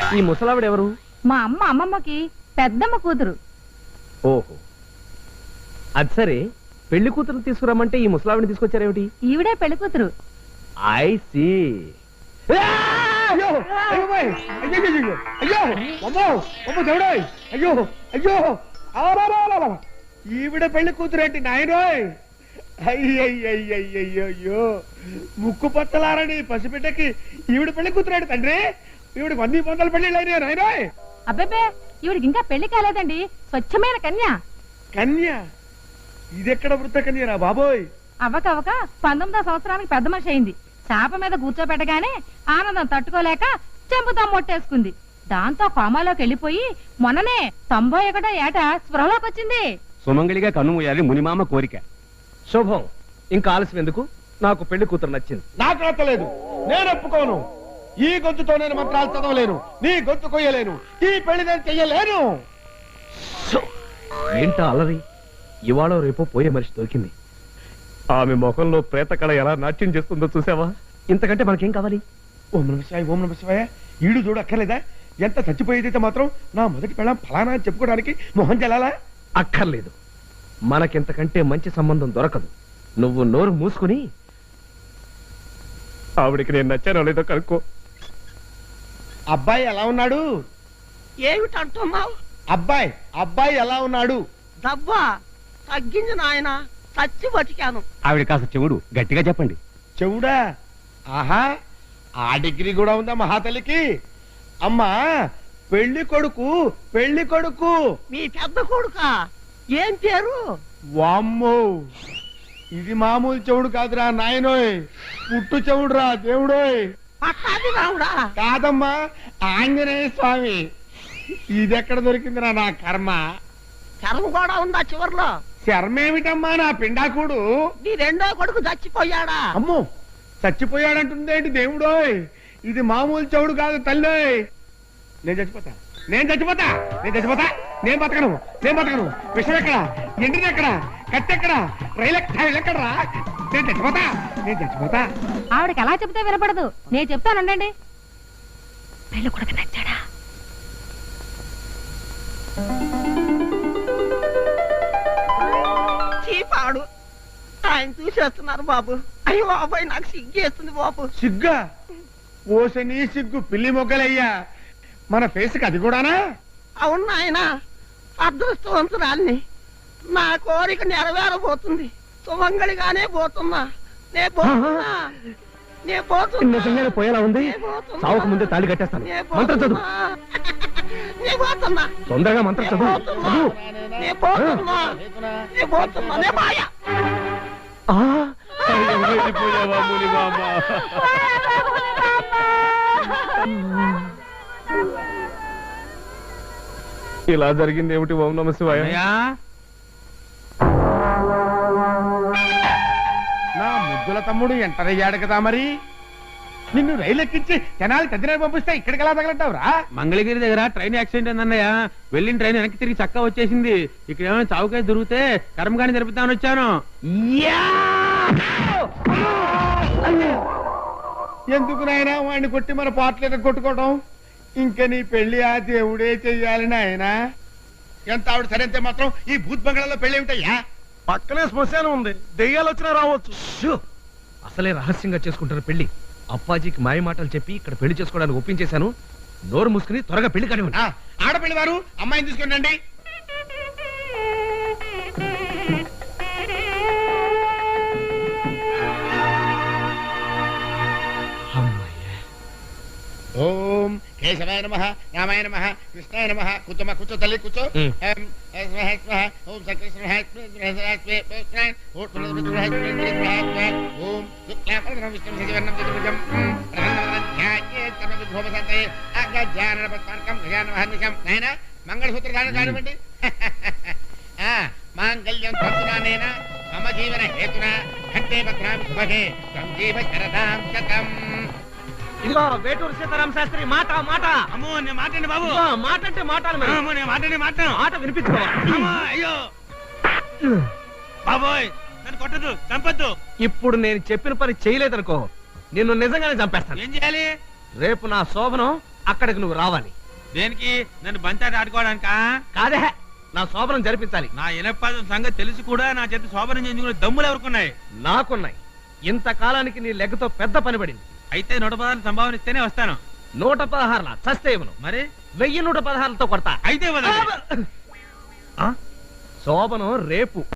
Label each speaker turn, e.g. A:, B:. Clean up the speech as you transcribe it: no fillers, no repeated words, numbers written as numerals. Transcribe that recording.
A: ఈ ముసలావిడ ఎవరు?
B: మా అమ్మ అమ్మమ్మకి పెద్దమ్మ కూతురు.
A: ఓహో, అది సరే. పెళ్లి కూతురు తీసుకురమ్మంటే ఈ ముసలావిడిని తీసుకొచ్చారేమిటి?
B: ఈవిడే పెళ్లి కూతురు.
A: I see.
C: అయ్యో అయ్యో అయ్యో ఈవిడ పెళ్లి కూతురేంటి నాయనోయ్? అయ్యయ్యో ముక్కు పచ్చలారని పసిబిడ్డకి ఈవిడ పెళ్లి కూతురేంటి తండ్రి? ఈవిడికి 100 పొందల పెళ్లి అయినాయి నాయనోయ్.
B: అబ్బే, ఈవిడికి ఇంకా పెళ్లి కాలేదండి. స్వచ్ఛమైన కన్య.
C: కన్య? ఇదెక్కడ వృత్త కన్యరా బాబోయ్?
B: అవ్వకవ్వక 19వ సంవత్సరానికి పెద్ద మనిషి అయింది. చాప మీద కూర్చోబెట్టగానే ఆనందం తట్టుకోలేక చెంపుతా మొట్టేసుకుంది. దాంతో కోమాలోకి వెళ్ళిపోయి మొన్ననే 91వ ఏట స్పృహలోకి వచ్చింది.
D: సుమంగళిగా కన్ను మూయాలి మునిమామ కోరిక.
A: శుభం. ఇంకా ఆలస్యం ఎందుకు? నాకు పెళ్లి కూతురు నచ్చింది.
C: నాకు నచ్చలేదు. నేను ఒప్పుకోను. ఈ గొంతుతో నేను మంత్రాలు చదవలేను, నీ గొంతు కొయ్యలేను, ఈ పెళ్లి నేను చెయ్యలేను.
A: ఏంటా అలరి? ఇవాళ రేపో పోయే మనిషి దొరికింది. ఆమె ముఖంలో ప్రేతకళ ఎలా నాట్యం చేస్తుందో చూసావా? ఇంతకంటే మనకేం కావాలి?
C: ఓం నమ శివాయ. ఈడు చూడు అక్కర్లేదా? ఎంత చచ్చిపోయేదైతే మాత్రం నా మొదటి పెళ్ళం ఫలానా అని చెప్పుకోవడానికి మొహం చెల్లాలా?
A: అక్కర్లేదు. మనకింతకంటే మంచి సంబంధం దొరకదు. నువ్వు నోరు మూసుకుని ఆవిడికి నేను నచ్చానో లేదో కనుక్కో.
C: అబ్బాయి ఎలా ఉన్నాడు?
E: ఏమిటంటున్నావు?
C: అబ్బాయి ఎలా ఉన్నాడు?
E: దబ్బా తగ్గింది నాయన, చచ్చి బతికాను.
D: ఆవిడ కాస్త చెవుడు గట్టిగా చెప్పండి.
C: చెవుడా? ఆహా, ఆ డిగ్రీ కూడా ఉందా మహాతల్లికి? అమ్మా, పెళ్లి కొడుకు
E: మీ పెద్ద కొడుక? ఏం పేరు?
C: వామ్మో, ఇది మామూలు చెవుడు కాదురా నాయనోయ్, పుట్టు చెవుడురా దేవుడోయ్.
E: పట్టాది రావుడా?
C: కాదమ్మా, ఆంజనేయ స్వామి. ఇదెక్కడ దొరికిందిరా నా కర్మ?
E: చర్మ కూడా ఉందా చివర్లో?
C: శర్మేమిటమ్మా నా పిండాకుడు?
E: నీ రెండో కొడుకు చచ్చిపోయాడా?
C: అమ్మో, చచ్చిపోయాడంటుందేంటి దేవుడోయ్? ఇది మామూలు చెవుడు కాదు తల్లోయ్. నేను చచ్చిపోతా. నేను బతకను. విషం ఎక్కడ? ఎండిది ఎక్కడ? కట్టెక్కడ? రైలు ఎక్కడరా? నేను చచ్చిపోతా.
B: ఆవిడకి ఎలా చెప్తే వినపడదు. నేను చెప్తానండి. పెళ్లి కొడుకు నచ్చాడా?
E: చీపాడు ఆయన చూసేస్తున్నారు బాబు. అయ్యో బాబాయ్, నాకు సిగ్గేస్తుంది బాబు.
C: సిగ్గా? ఓసని సిగ్గు పిల్లి మొగ్గలయ్యా. మన ఫేస్కి అది కూడానా?
E: అవును నాయన, అదృష్టవంతురాల్ని. నా కోరిక నెరవేరబోతుంది. సుమంగళిగానే పోతున్నా.
A: నిజంగానే పోయేలా ఉంది. సావుకు ముందే తాళి కట్టేస్తాను. మంత్రం చదువు. తొందరగా మంత్రం చదువు. ఇలా జరిగింది ఏమిటి? ఓం నమ శివాయ.
C: నా ముద్దుల తమ్ముడు ఎంటర్ అయ్యాడు కదా, మరి నిన్ను రైలు ఎక్కించి తెనాలి తదిన పంపిస్తే ఇక్కడికి ఎలా తగలంటావురా?
D: మంగళగిరి దగ్గర ట్రైన్ యాక్సిడెంట్ అయిందన్నయ్య. వెళ్ళిన ట్రైన్ వెనక్కి తిరిగి చక్కా వచ్చేసింది. ఇక్కడ ఏమైనా చావుకాయ దొరికితే కర్మకాని జరుపుతామని వచ్చాను.
C: ఎందుకు నాయనా వాడిని కొట్టి మన పాటలు కొట్టుకోవడం? ఇంకా నీ పెళ్లి ఆ దేవుడే చెయ్యాలి నాయనా. ఎంత ఆవిడ సరైతే మాత్రం ఈ భూత్ బంగ్లాలో పెళ్లి ఏమిటయ్యా?
F: పక్కనే శ్మశానం ఉంది, దెయ్యాలు వచ్చినా రావచ్చు.
A: అసలే రహస్యంగా చేసుకుంటారు పెళ్లి. అప్పాజీకి మాయ మాటలు చెప్పి ఇక్కడ పెళ్లి చేసుకోవడానికి ఒప్పించేశాను. నోరు మూసుకుని త్వరగా పెళ్లి కానివ్వండి.
C: ఆడపిల్లి వారు అమ్మాయిని తీసుకుని ఓం కేశవాయ నమః, రామాయ నమః, కృష్ణాయ నమః. కూర్చో తల్లి, కూర్చో. మంగళసూత్ర దానం కానివ్వండి. మాంగళ్యం తంతునానేన మమ జీవన హేతున కంటే భద్రాం శుభగే సంజీవ శరదాం శతం.
A: ఇదిగో వేటూరు సీతారామ శాస్త్రి మాట.
D: అమ్మో, నేను మాటండి బాబు.
A: మాట అంటే మాటలు. మాట వినిపించుకోవాలి.
D: అయ్యో బాబోయ్, నన్ను కొట్టదు, చంపద్దు.
A: ఇప్పుడు నేను చెప్పిన పని చేయలేదనుకో, నిన్ను నిజంగానే చంపేస్తాను.
D: ఏం చేయాలి?
A: రేపు నా శోభనం, అక్కడికి నువ్వు రావాలి.
D: దేనికి నన్ను బంచాటి ఆడుకోవడానికా?
A: కాదే, నా శోభనం జరిపించాలి.
D: నా ఇనపాదం సంగతి తెలిసి కూడా నా చేత శోభనం చేయించుకునే దమ్ములు ఎవరుకున్నాయి?
A: నాకున్నాయి. ఇంతకాలానికి నీ లెగ్గతో పెద్ద పని పడింది.
D: అయితే 116 సంభావన ఇస్తేనే వస్తాను.
A: 116 చస్తే ఇవ్వను.
D: మరి
A: 1116తో కొడతా.
D: అయితే
A: శోభనం రేపు.